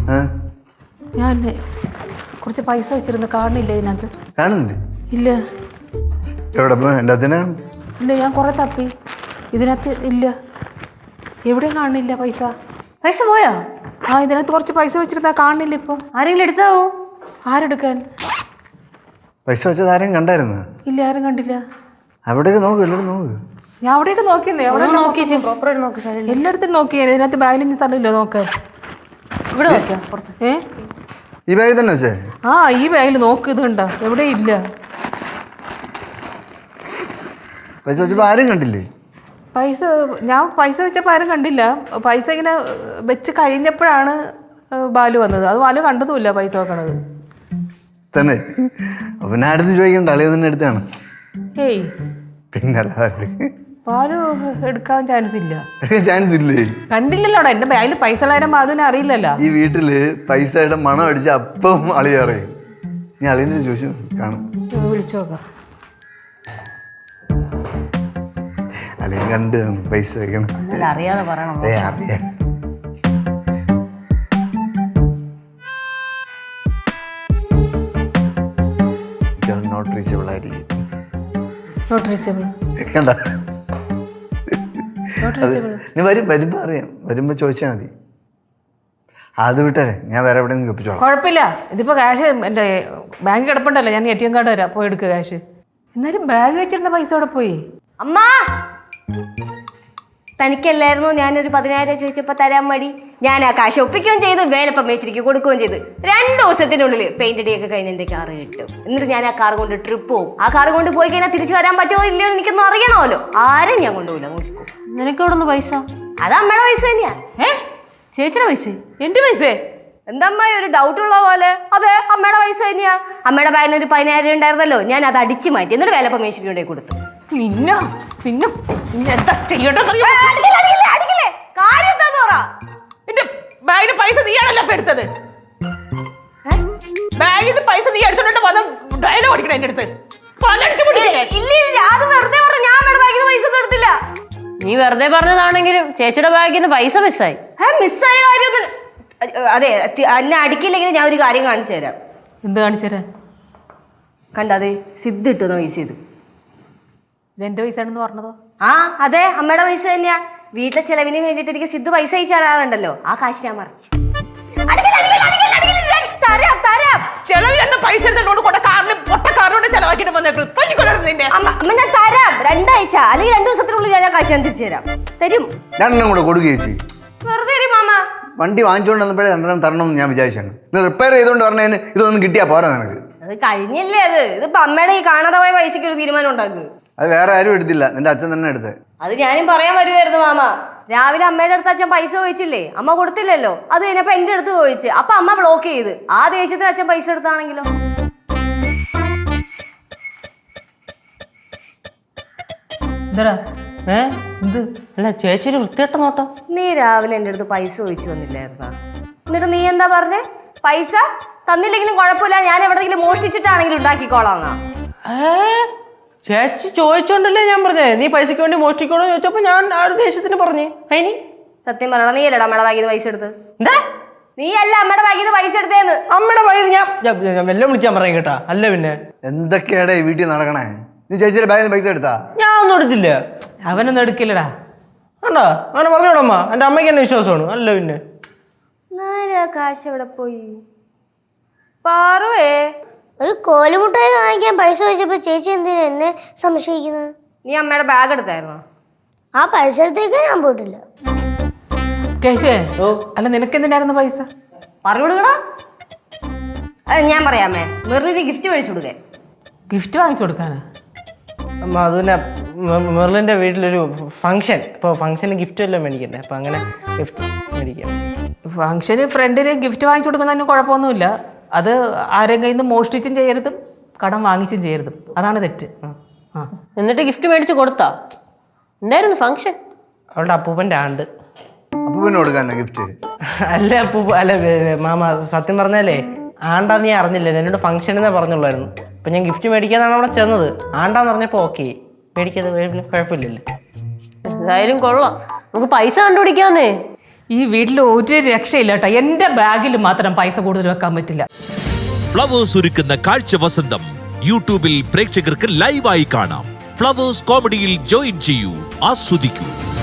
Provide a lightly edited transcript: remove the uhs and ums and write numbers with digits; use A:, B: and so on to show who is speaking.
A: ഞാൻ കുറച്ച് പൈസ വെച്ചിരുന്നു, കാണുന്നില്ല ഇതിനകത്ത്.
B: കാണുന്നില്ല?
A: ഇല്ല.
B: എവിടെ എൻ്റെ അതിനാണ്?
A: ഇല്ല, ഞാൻ കുറെ തപ്പി, ഇതിനകത്ത് ഇല്ല. എവിടെയും കാണുന്നില്ല പൈസ.
C: പൈസ പോയോ?
A: ആ, ഇതിനകത്ത് കുറച്ച് പൈസ വെച്ചിരുന്നാ കാണുന്നില്ല ഇപ്പം.
C: ആരെങ്കിലും എടുത്താവോ?
A: ആരെടുക്കാൻ?
B: പൈസ വെച്ചത് ആരെയും കണ്ടായിരുന്നു?
A: ഇല്ല, ആരും കണ്ടില്ല.
B: അവിടെയൊക്കെ നോക്ക്, എല്ലാവരും നോക്ക്.
A: ഞാൻ അവിടെയൊക്കെ നോക്കിയെന്നേ, എവിടെ
C: നോക്കി പ്രോപ്പറായിട്ട് നോക്കി.
A: എല്ലായിടത്തും നോക്കിയേ. ഇതിനകത്ത് ബാഗിൽ സ്ഥലമില്ല നോക്കാൻ.
C: ഇവിടെ നോക്കിയാ പുറത്ത്.
B: ഈ ബാഗിൽ തന്നെ വെച്ചേ?
A: ആ, ഈ ബാഗിൽ നോക്ക്, ഇത് കണ്ടോ? എവിടെയും ഇല്ല.
B: പൈസ വെച്ചപ്പോൾ ആരും കണ്ടില്ലേ?
A: ഞാൻ പൈസ വെച്ചപ്പോൾ ആരും കണ്ടില്ല. പൈസ ഇങ്ങനെ വെച്ച് കഴിഞ്ഞപ്പോഴാണ് ബാലു വന്നത്. അത് ബാലു കണ്ടതുമില്ല പൈസ വെക്കണത്
B: തന്നെ. പിന്നെ അടുത്ത് ചോദിക്കണ്ട, അളിയ തന്നെ എടുത്താണ്.
A: ഏയ്
B: പിന്നെ
A: ബാലു എടുക്കാൻ ചാൻസ് ഇല്ല.
B: ചാൻസ് ഇല്ലേ?
A: കണ്ടില്ലല്ലോടാ, എന്റെ ബാഗിൽ പൈസ ഉള്ളവരും ബാലുവിനെ അറിയില്ലല്ലോ.
B: ഈ വീട്ടില് പൈസയുടെ മണം അടിച്ച അപ്പം അളിയ അറിയും. നീ അളിയനെ ചോദിച്ചു കാണും.
A: വിളിച്ചു നോക്കാം.
B: അളിയൻ കണ്ട് പൈസ വെക്കണം.
C: അറിയാതെ പറയണം.
B: അറിയാം. നോട്ട് റീച്ചബിൾ ആയിരിക്കും.
A: നോട്ട് റീച്ചബിൾ
B: കണ്ട?
A: Not reachable.
B: നീ വരുമ്പോ അറിയാം, വരുമ്പോ ചോദിച്ചാൽ മതി. അത് വിട്ടേ, ഞാൻ വേറെ എവിടെയെങ്കിലും ഒപ്പിച്ചോളാം.
A: കുഴപ്പമില്ല. ഇതിപ്പോ ക്യാഷ് എൻ്റെ ബാങ്കിൽ കിടപ്പുണ്ടല്ലോ, ഞാൻ ATM കാർഡ് തരാം, പോയി എടുക്കുക ക്യാഷ്. എന്നാലും ബാഗ് വെച്ചിരുന്ന പൈസ അവിടെ പോയി.
C: അമ്മ, തനിക്കല്ലായിരുന്നു ഞാനൊരു 10,000 ചോദിച്ചപ്പോ തരാൻ മടി? ഞാൻ ആ കാശ് ഒപ്പിക്കുകയും ചെയ്ത് വേലപ്പം മേശരിക്ക് കൊടുക്കുകയും ചെയ്ത് 2 ദിവസത്തിനുള്ളിൽ പെയിന്റ് അടിയൊക്കെ കഴിഞ്ഞ് എൻ്റെ കാറ് കിട്ടും. എന്നിട്ട് ഞാൻ ആ കാർ കൊണ്ട് ട്രിപ്പ് പോകും. ആ കാർ കൊണ്ട് പോയി കഴിഞ്ഞാൽ തിരിച്ചു വരാൻ പറ്റുമോ ഇല്ലയോ എനിക്കൊന്നും അറിയണമല്ലോ. ആരും ഞാൻ കൊണ്ടുപോയില്ല. നോക്കിക്കോ.
D: നിനക്ക് എവിടെ നിന്ന് പൈസ?
C: അത് അമ്മയുടെ പൈസ തന്നെയാ.
D: ചേച്ചിയുടെ പൈസ?
A: എന്റെ പൈസ?
C: എന്തമ്മ ഒരു ഡൗട്ട് ഉള്ള പോലെ? അതെ, അമ്മയുടെ പൈസ തന്നെയാ. അമ്മയുടെ ബാഗിന് ഒരു 10,000 ഉണ്ടായിരുന്നല്ലോ, ഞാൻ അത് അടിച്ചു മാറ്റി. എന്നിട്ട് വേലപ്പം മേശരിക്ക് കൊണ്ടേ കൊടുത്തു.
A: എന്താ ചെയ്യട്ടെ? എന്റെ ബാഗിന് പൈസ നീയാണല്ലോ എടുത്തത്. ബാഗിൽ പൈസ നീ എടുത്തോണ്ട് വന്ന് ഡയലോഗ് ഓടിക്കണം എന്റെ അടുത്ത്.
D: നീ വെറുതെ പറഞ്ഞതാണെങ്കിലും ചേച്ചിയുടെ ബാഗിൽ നിന്ന് പൈസ മിസ്സായി.
C: മിസ്സായ കാര്യമൊന്നും. അതെ, എന്നെ അടിക്കില്ലെങ്കിൽ ഞാൻ ഒരു കാര്യം കാണിച്ചു തരാം.
A: എന്ത് കാണിച്ചു തരാൻ?
C: കണ്ടതെ സിദ്ധ് ഇട്ടു പൈസ. ഇത്
A: എന്റെ പൈസ ആണെന്ന് പറഞ്ഞതോ?
C: ആ അതെ, അമ്മയുടെ പൈസ തന്നെയാ. വീട്ടിലെ ചെലവിന് വേണ്ടിട്ട് എനിക്ക് സിദ്ധു പൈസ അയച്ചു തരാറുണ്ടല്ലോ, ആ കാശ് ഞാൻ മറിച്ചു.
A: ചെലവിലെന്താ പൈസ എടുത്തോണ്ട് കാറിനോട് ചെലവാക്കിട്ട് വന്നിട്ട്
C: അമ്മ ഞാൻ തരാം. 2 ആഴ്ച അല്ലെങ്കിൽ 2 ദിവസത്തിനുള്ളിൽ ഞാൻ കാശ് ഞാൻ തിരിച്ചു തരാം. തരും.
B: 2 കൂടെ കൊടുക്കുകയും
C: വെറുതെ തരും മാമ.
B: വണ്ടി വാങ്ങിച്ചുകൊണ്ട് വന്നപ്പോഴേ 2 തരണമെന്ന് ഞാൻ വിചാരിച്ചാണ്. റിപ്പയർ ചെയ്തുകൊണ്ട് പറഞ്ഞതിന് ഇതൊന്നും കിട്ടിയാ പോരാ നിനക്ക്?
C: അത് കഴിഞ്ഞില്ലേ? ഇതിപ്പോ അമ്മയുടെ ഈ കാണാതെ പോയ പൈസക്ക് ഒരു തീരുമാനം ഉണ്ടാക്കുക.
B: അത് വേറെ ആരും എടുത്തില്ല, നിന്റെ അച്ഛൻ തന്നെ എടുത്തേ.
C: അത് ഞാനും പറയാൻ വരുമായിരുന്നു മാമ. രാവിലെ അമ്മയുടെ അടുത്ത് അച്ഛൻ പൈസ ചോദിച്ചില്ലേ, അമ്മ കൊടുത്തില്ലല്ലോ. അത് കഴിഞ്ഞപ്പോ എന്റെ അടുത്ത് ചോദിച്ചു. അപ്പൊ അമ്മ ബ്ലോക്ക് ചെയ്ത്. ആ ദേഷ്യത്തിൽ അച്ഛൻ പൈസ എടുത്താണെങ്കിലോ?
D: അല്ല ചേച്ചി ഒരു വൃത്തികെട്ട നോട്ടം.
C: നീ രാവിലെ എന്റെ അടുത്ത് പൈസ ചോദിച്ചു വന്നില്ലായിരുന്നാ? എന്നിട്ട് നീ എന്താ പറഞ്ഞേ? പൈസ തന്നില്ലെങ്കിലും കുഴപ്പമില്ല, ഞാൻ എവിടെയെങ്കിലും മോഷ്ടിച്ചിട്ടാണെങ്കിലും ഉണ്ടാക്കിക്കോളാന്നാ.
D: ചേച്ചി ചോദിച്ചോണ്ടല്ലേ ഞാൻ പറഞ്ഞേ നീ പൈസക്ക് വേണ്ടി മോഷ്ടിക്കോളൂ ചോദിച്ചപ്പോ ഞാൻ ആ ഒരു ദേഷ്യത്തിന് പറഞ്ഞേ. അതിന്
C: സത്യം പറയണം, നീ അല്ലടാ അമ്മയുടെ ബാഗിൽ നിന്ന് പൈസ എടുത്ത്?
D: എന്താ?
C: നീ അല്ല അമ്മയുടെ ബാഗിൽ നിന്ന് പൈസ എടുത്തേന്ന്.
D: അമ്മയുടെ ബാഗിൽ ഞാൻ വെല്ലം വിളിച്ചാൻ പറയാം കേട്ടാ. അല്ല പിന്നെ
B: എന്തൊക്കെയാടേ ഈ വീട്ടിൽ നടക്കണേ? നീ ചേച്ചിയുടെ ബാഗിൽ നിന്ന് പൈസ എടുത്താ?
D: ഞാൻ ഒന്നും എടുത്തില്ല.
A: അവനൊന്നും എടുക്കില്ലടാ.
D: ആണ്ടാ അങ്ങനെ പറഞ്ഞോടമ്മ, എന്റെ അമ്മയ്ക്ക് എന്നെ വിശ്വാസമാണ്. അല്ല പിന്നെ
C: കാശ് എവിടെ പോയി? പാറുവേ,
E: ഒരു കോലുമുട്ടായി വാങ്ങിക്കാൻ പൈസ വെച്ചപ്പോ ചേച്ചി എന്തിനാ എന്നെ സംശയിക്കുന്നത്?
C: നീ അമ്മയുടെ ബാഗ് എടുത്തായിരുന്നോ?
E: ആ പരിസരത്തേക്ക് ഞാൻ പോയിട്ടില്ല.
A: കേശുവേ, അല്ല നിനക്ക് എന്തിനായിരുന്നു പൈസ?
C: പറഞ്ഞു കൊടുക്കടാ. അത് ഞാൻ പറയാമേ, മെറിലിന് ഗിഫ്റ്റ് മേടിച്ചു കൊടുക്കേ.
A: ഗിഫ്റ്റ് വാങ്ങിച്ചു കൊടുക്കാനാ?
D: അമ്മ അത് പിന്നെ മെർലിന്റെ വീട്ടിലൊരു ഫംഗ്ഷൻ, ഇപ്പോൾ ഫംഗ്ഷന് ഗിഫ്റ്റ് എല്ലാം മേടിക്കണ്ടേ, അപ്പം അങ്ങനെ ഗിഫ്റ്റ് മേടിക്കാം.
A: ഫംഗ്ഷന് ഫ്രണ്ടിന് ഗിഫ്റ്റ് വാങ്ങിച്ചു കൊടുക്കുന്നതിന് കുഴപ്പമൊന്നുമില്ല. അത് ആരെയും കയ്യിൽ നിന്ന് മോഷ്ടിച്ചും ചെയ്യരുതും കടം വാങ്ങിച്ചും ചെയ്യരുതും, അതാണ് തെറ്റ്.
D: എന്നിട്ട് ഗിഫ്റ്റ് മേടിച്ച് കൊടുത്താ? എന്തായിരുന്നു ഫംഗ്ഷൻ? അവളുടെ അപ്പൂപ്പൻ്റെ ആണ്ട്.
B: അപ്പൂപ്പന് കൊടുക്കാനാ ഗിഫ്റ്റ്?
D: അല്ല അപ്പൂപ്പ, അല്ല മാമ, സത്യം പറഞ്ഞാലേ ആണ്ടാ നീ അറിഞ്ഞില്ല, എന്നോട് ഫംഗ്ഷൻ എന്നേ പറഞ്ഞുള്ളായിരുന്നു. അപ്പം ഞാൻ ഗിഫ്റ്റ് മേടിക്കാന്നാണ് അവിടെ ചെന്നത്. ആണ്ടാന്ന് പറഞ്ഞപ്പോൾ ഓക്കെ, മേടിക്കാതെ കുഴപ്പമില്ലല്ലോ.
F: എന്തായാലും കൊള്ളാം, നമുക്ക് പൈസ കണ്ടുപിടിക്കാന്നേ.
A: ഈ വീട്ടിൽ ഒരു രക്ഷയില്ല കേട്ടോ. എൻ്റെ ബാഗിൽ മാത്രം പൈസ കൂടുതൽ വെക്കാൻ പറ്റില്ല.
F: ഫ്ലവേഴ്സ് ഒരുക്കുന്ന കാഴ്ച വസന്തം യൂട്യൂബിൽ പ്രേക്ഷകർക്ക് ലൈവായി കാണാം. ഫ്ലവേഴ്സ് കോമഡിയിൽ ജോയിൻ ചെയ്യൂ, ആസ്വദിക്കൂ.